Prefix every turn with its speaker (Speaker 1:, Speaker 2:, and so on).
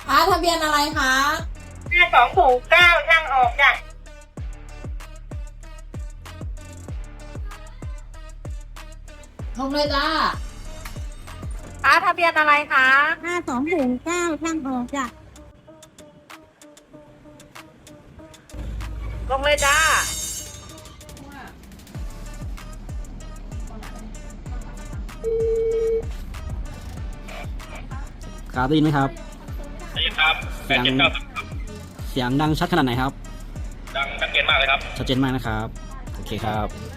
Speaker 1: ทะเบียนอะไรคะ
Speaker 2: 5209ช่างออกจ้ะ
Speaker 1: ลงเลยจ้า
Speaker 2: ทะเบียนอะไรคะ
Speaker 3: 5209ช่างออกจ้ะ
Speaker 2: ลงเลยจ้า
Speaker 4: ครับได้ยินไหมครับ
Speaker 5: ได้ยินครับ
Speaker 4: เสียง
Speaker 5: 879
Speaker 4: เสียงดังชัดขนาดไหนครับ
Speaker 5: ดังชัดเจนมากเลยครับ
Speaker 4: ชัดเจนมากนะครับ โอเคครับ